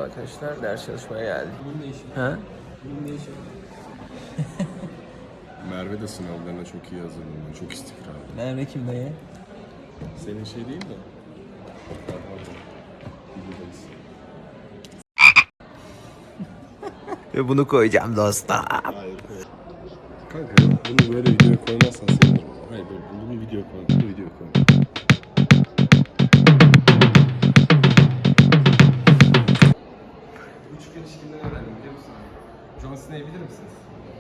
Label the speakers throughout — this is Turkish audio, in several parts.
Speaker 1: arkadaşlar, ders çalışmaya geldik.
Speaker 2: Bunun ne işi?
Speaker 1: Ha?
Speaker 2: Bunun ne işi?
Speaker 3: Merve de sınavlarına çok iyi hazırlanıyor. Çok istikrarlı.
Speaker 1: Merve kim dayı?
Speaker 3: Senin şey değil mi? Videodayız.
Speaker 1: Ve bunu koyacağım dostum.
Speaker 3: Hayır. Kanka bunu böyle videoya koymazsan sevinirim. Hayır böyle bunu video koy. Bunu video koy.
Speaker 2: Üçgen ilişkinden öğrendim biliyor musun? John Cena'yı bilir misiniz?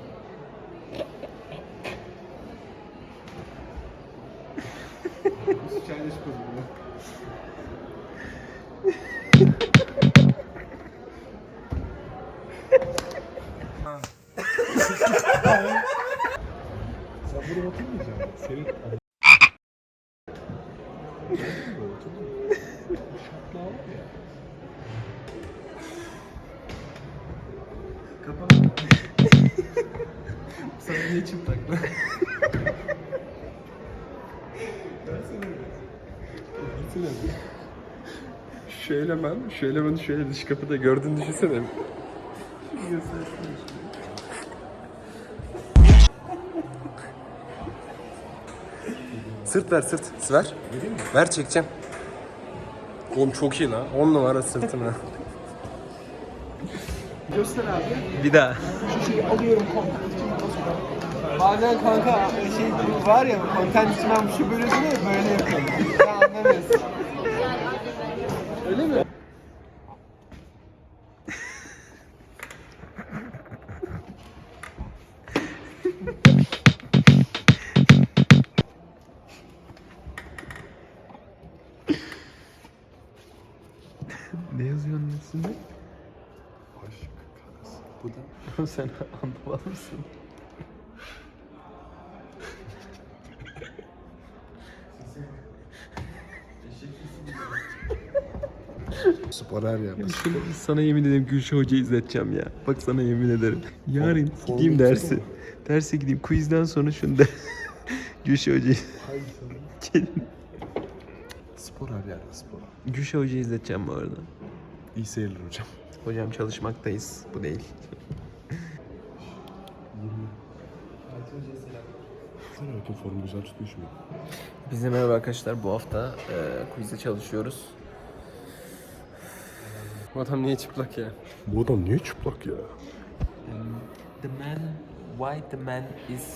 Speaker 2: Üst çaydaş kozumu.
Speaker 3: Sen buraya oturmayacaksın. Senin...
Speaker 2: Kapat. Sana niye çıplak lan?
Speaker 3: Şöyle ben şöyle dış kapıda gördüğünü düşünsene.
Speaker 1: Sırt ver, sırt. Ver. Ver, çekeceğim. Oğlum çok iyi lan. 10 numara sırtına.
Speaker 2: Göster abi.
Speaker 1: Bir daha.
Speaker 2: Şeyi alıyorum content için bazen kanka şey var ya content için ben şu böyle duruyor böyle yapıyorum. Sen anlamıyorsun. Öyle mi?
Speaker 1: Ne yazıyorsun üstünde?
Speaker 3: Aşk karası. Bu da.
Speaker 1: Sen anlamalı mısın?
Speaker 3: Spor her yerde.
Speaker 1: Sana yemin ederim Gülşah Hoca izleteceğim ya. Bak sana yemin ederim. Yarın
Speaker 3: Form
Speaker 1: gideyim
Speaker 3: tutsana.
Speaker 1: derse. Derse gideyim. Quizden sonra şunu da Gülşah Hoca'yı gelin.
Speaker 3: Spor her yerde spor.
Speaker 1: Gülşah Hoca'yı izleteceğim bu arada.
Speaker 3: İyi seyirler hocam.
Speaker 1: Hocam çalışmaktayız. Bu değil.
Speaker 3: Sana bakayım formu güzel tutmuş mu?
Speaker 1: Biz de merhaba arkadaşlar. Bu hafta quizde çalışıyoruz.
Speaker 2: Bu adam niye çıplak ya?
Speaker 3: Bu adam niye çıplak ya?
Speaker 1: The man, why the man is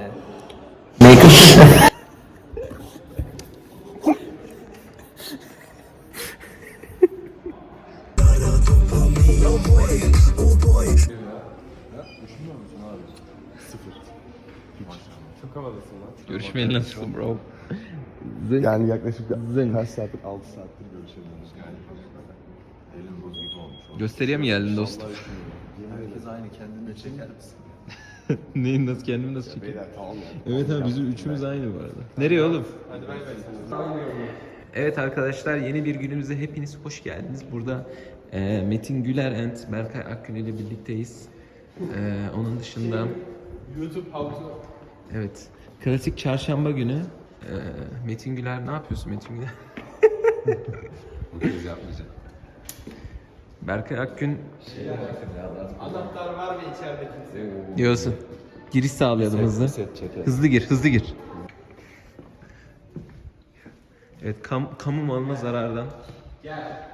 Speaker 3: Çok havalısın lan.
Speaker 1: Görüşmeyi nasıl bro?
Speaker 3: Yani yaklaşık
Speaker 1: Zeng.
Speaker 3: kaç saattir? 6 saattir görüşemiyoruz yani. Elin buz gibi olmuş.
Speaker 1: Gösteriye mi geldin dostum?
Speaker 3: Herkes aynı kendini çeker misin?
Speaker 1: Neyin nasıl kendimi nasıl çekeyim?
Speaker 3: Beyler tamam ya.
Speaker 1: Evet abi bizim üçümüz aynı bu arada. Nereye oğlum?
Speaker 2: Hadi bay bay.
Speaker 1: Evet arkadaşlar yeni bir günümüze hepiniz hoş geldiniz. Burada Metin Güler and Berkay Akgün ile birlikteyiz. Onun dışında
Speaker 2: YouTube how to...
Speaker 1: evet klasik çarşamba günü Metin Güler ne yapıyorsun Metin Güler?
Speaker 3: Bu kez yapmayacağım.
Speaker 1: Berkay Akgün
Speaker 2: Anahtar var mı içeride kimse?
Speaker 1: diyorsun. Giriş sağlayalım hızlı. Hızlı gir, hızlı gir. Evet, kamu malına zarardan.
Speaker 2: Gel.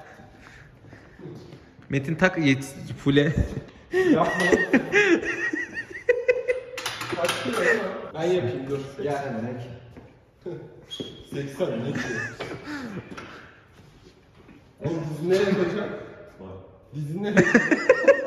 Speaker 1: Metin tak fule.
Speaker 2: Yapma. Kaç kilo değil mi? Ben yapayım dur. Gel. 80 ne ki? Oğlum dizini nereye koyacağım? Dizini nereye koyacağım?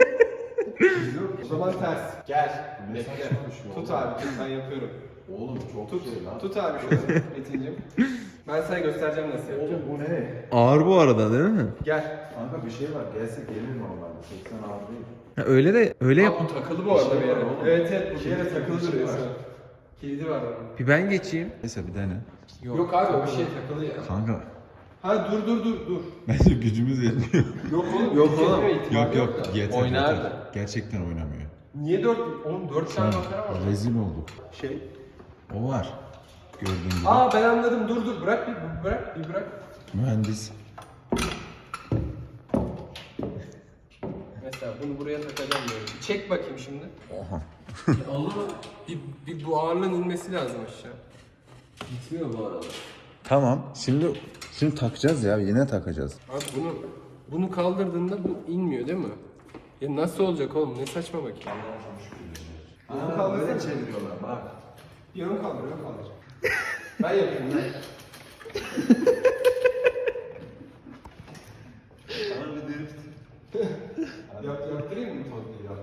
Speaker 2: O zaman ters. Gel. Bekle. Tut abi tut ben yapıyorum.
Speaker 3: Oğlum çok
Speaker 2: Tut.
Speaker 3: şey lan.
Speaker 2: Tut abi şunu Metin'cim. Ben sana göstereceğim nasıl yapacağım.
Speaker 3: Oğlum bu ne?
Speaker 1: Ağır bu arada değil mi?
Speaker 2: Gel.
Speaker 3: Kanka bir şey var. Gelse gelir normalde. 80 ağır değil.
Speaker 1: Ha, öyle de öyle yap.
Speaker 2: Bu takılı bu arada bir yere.
Speaker 3: oğlum.
Speaker 2: Evet evet bu bir yere
Speaker 3: Kilidi
Speaker 2: takılı
Speaker 3: bir şey
Speaker 2: duruyor
Speaker 3: var.
Speaker 2: şu an. Kilidi var onun.
Speaker 1: Bir ben geçeyim.
Speaker 4: Neyse bir dene.
Speaker 2: Yok abi o bir şey takılı ya.
Speaker 4: Kanka
Speaker 2: Ha dur.
Speaker 4: bence gücümüz yetmiyor.
Speaker 2: Yok oğlum.
Speaker 1: Yok oğlum.
Speaker 4: Yok yeter
Speaker 1: Oynardı.
Speaker 4: yeter. Gerçekten oynamıyor.
Speaker 2: Niye 4? Oğlum 4
Speaker 4: Şu
Speaker 2: tane
Speaker 4: an
Speaker 2: makara var.
Speaker 4: rezil olduk.
Speaker 2: Şey.
Speaker 4: O var. Gördüğün gibi.
Speaker 2: Aa ben anladım dur bırak bir bırak.
Speaker 4: Mühendis.
Speaker 2: Ya bunu buraya takacağım böyle. Çek bakayım şimdi.
Speaker 4: Oha.
Speaker 2: Bir bu ağırlığın inmesi lazım aşağı. Gitmiyor bu arada.
Speaker 4: Tamam. Şimdi takacağız ya. Yine takacağız.
Speaker 2: Abi bunu kaldırdığında bu inmiyor değil mi? Ya nasıl olacak oğlum? Ne saçma bak ya.
Speaker 1: Böyle çeviriyorlar bak.
Speaker 2: Bir ön kaldır, ön kaldır. Ben yapayım ben. Yaptırayım mı tatlıyı ya?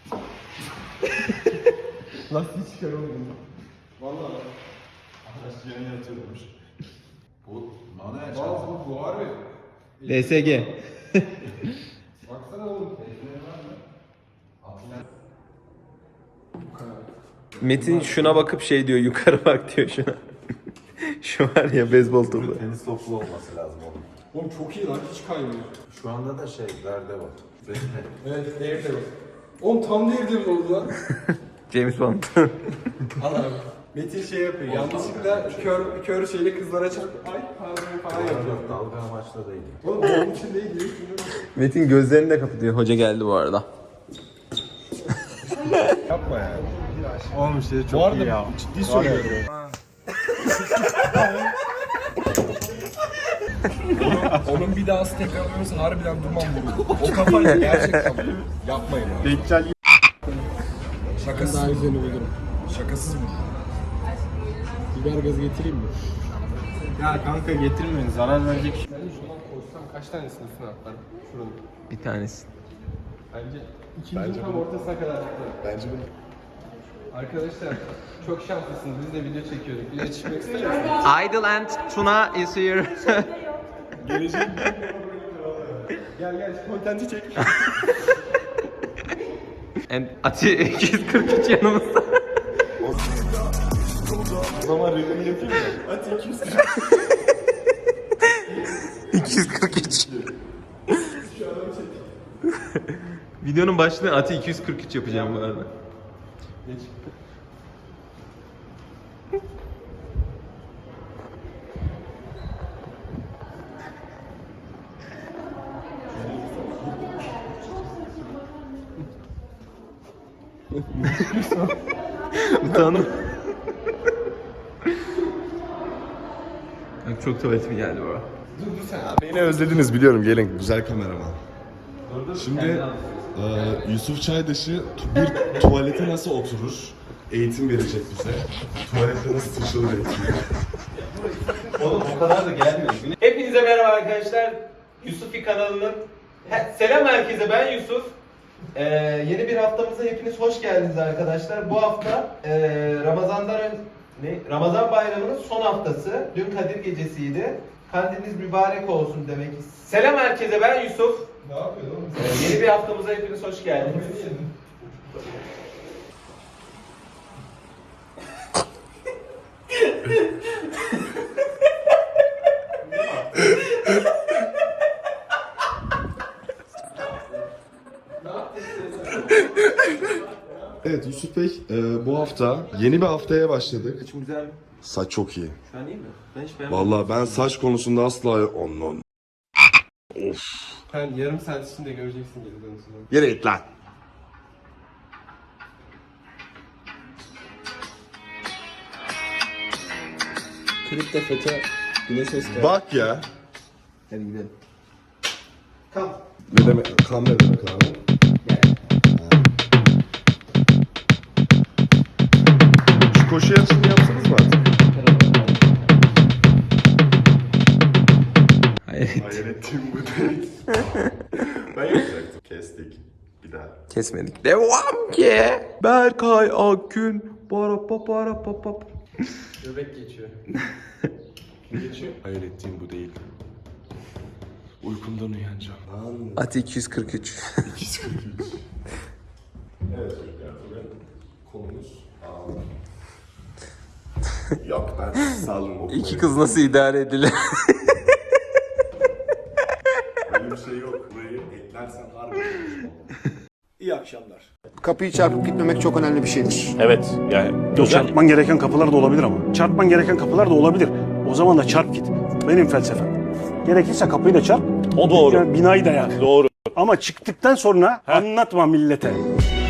Speaker 2: Lastiği çıkar oğlum. Valla.
Speaker 4: Arkadaş yeni yatıyormuş. Bu manuel
Speaker 2: Valla bu harbi.
Speaker 1: DSG.
Speaker 2: Baksana oğlum.
Speaker 1: Metin şuna bakıp şey diyor, yukarı bak diyor şuna. Şu var ya beyzbol topu.
Speaker 4: Tenis toplu olması lazım oğlum.
Speaker 2: Oğlum çok iyi lan, hiç kaymıyor.
Speaker 4: Şu anda da derde var.
Speaker 2: Evet, Daredevil. Oğlum tam Daredevil oldu lan.
Speaker 1: James Bond.
Speaker 2: Al abi. Metin şey yapıyor, yanlışlıkla kör şeyle kızlara çarp. Ay pardon falan yapıyor.
Speaker 4: Dalga amaçlı değil.
Speaker 2: Oğlum onun için değil diyor.
Speaker 1: Metin gözlerini de kapatıyor. Hoca geldi bu arada.
Speaker 3: Yapma ya. Oğlum işte çok iyi ya. Ciddi söylüyorum.
Speaker 2: Onun bir daha tekrarlıyorsan harbiden duman vuruyor. O kafayla gerçekten vuruyor. Yapmayın abi.
Speaker 3: Deccal
Speaker 2: Şakasız daha güzelini bulurum. Şakasız mı? Biber gazı getireyim mi?
Speaker 3: ya kanka getirmeyin. Zarar verecek şey.
Speaker 2: Ben şuradan koysam kaç tanesini üstüne atlarım? Şuranın.
Speaker 1: Bir tanesi.
Speaker 2: Bence ikinci tam ortasına kadar atlarım.
Speaker 3: Bence bunu.
Speaker 2: Arkadaşlar çok şanslısınız. Biz de video çekiyorduk. Video çıkmak ister misiniz?
Speaker 1: Idle and Tuna is here.
Speaker 2: Gel şu kontenti çek.
Speaker 1: And Ati 243 yanımızda.
Speaker 3: O zaman reklamı yapayım mı? Hadi 240.
Speaker 1: 243. Videonun başlığı Ati 243 yapacağım bu arada.
Speaker 2: Geç.
Speaker 1: Utandım. Bak çok tuvaletim geldi bu arada.
Speaker 2: Dur sen.
Speaker 3: Beni özlediniz biliyorum. Gelin güzel kameraman. Şimdi Yusuf Çaydaşı bir tuvalete nasıl oturur? Eğitim verecek bize. Tuvalette nasıl sıçralır eğitim.
Speaker 1: Oğlum o kadar da gelmiyor. Hepinize merhaba arkadaşlar. Yusufi kanalının selam herkese, ben Yusuf. Yeni bir haftamıza hepiniz hoş geldiniz arkadaşlar. Bu hafta Ramazan bayramının son haftası. Dün Kadir gecesiydi. Kandiliniz mübarek olsun demek. Selam herkese, ben Yusuf.
Speaker 2: Ne yapıyorsun oğlum?
Speaker 1: Yeni bir haftamıza hepiniz hoş geldiniz.
Speaker 3: Evet Yusuf Bey, bu hafta yeni bir haftaya başladık.
Speaker 1: Saçım güzel mi?
Speaker 3: Saç çok iyi.
Speaker 1: Şu an iyi mi? Ben hiç beğenmedim.
Speaker 3: Vallahi ben saç konusunda asla ondan. Of.
Speaker 2: Sen yarım saat içinde göreceksin geri dönüşünü.
Speaker 3: Yere git lan.
Speaker 1: Klipte FETÖ Güneş Öztürk.
Speaker 3: Bak ya.
Speaker 1: Hadi gidelim.
Speaker 3: Ne demek? Kan ne demek abi? Şu koşu yarışını yapsanız mı artık?
Speaker 1: Hayır.
Speaker 3: Hayır ettiğim bu değil. Ben yapacaktım. Kestik. Bir daha.
Speaker 1: Kesmedik. Devam ki. Berkay Akgün. Para pa para pa pa.
Speaker 2: Göbek geçiyor.
Speaker 3: Geçiyor. Hayır ettiğim bu değil. Uykumdan uyanacağım.
Speaker 1: Ati 243.
Speaker 3: 243. Evet çocuklar bugün konumuz Yok ben sağlığım okumayı.
Speaker 1: İki kız nasıl idare edilir?
Speaker 3: Öyle bir şey yok. Burayı eklersen harbi konuşmam.
Speaker 5: İyi akşamlar.
Speaker 6: Kapıyı çarpıp gitmemek çok önemli bir şeydir.
Speaker 5: Evet yani çarpman gereken kapılar da olabilir ama. Çarpman gereken kapılar da olabilir. O zaman da çarp git. Benim felsefem. Gerekirse kapıyı da çarp. O doğru. Yani binayı da yani. Doğru. Ama çıktıktan sonra anlatma millete.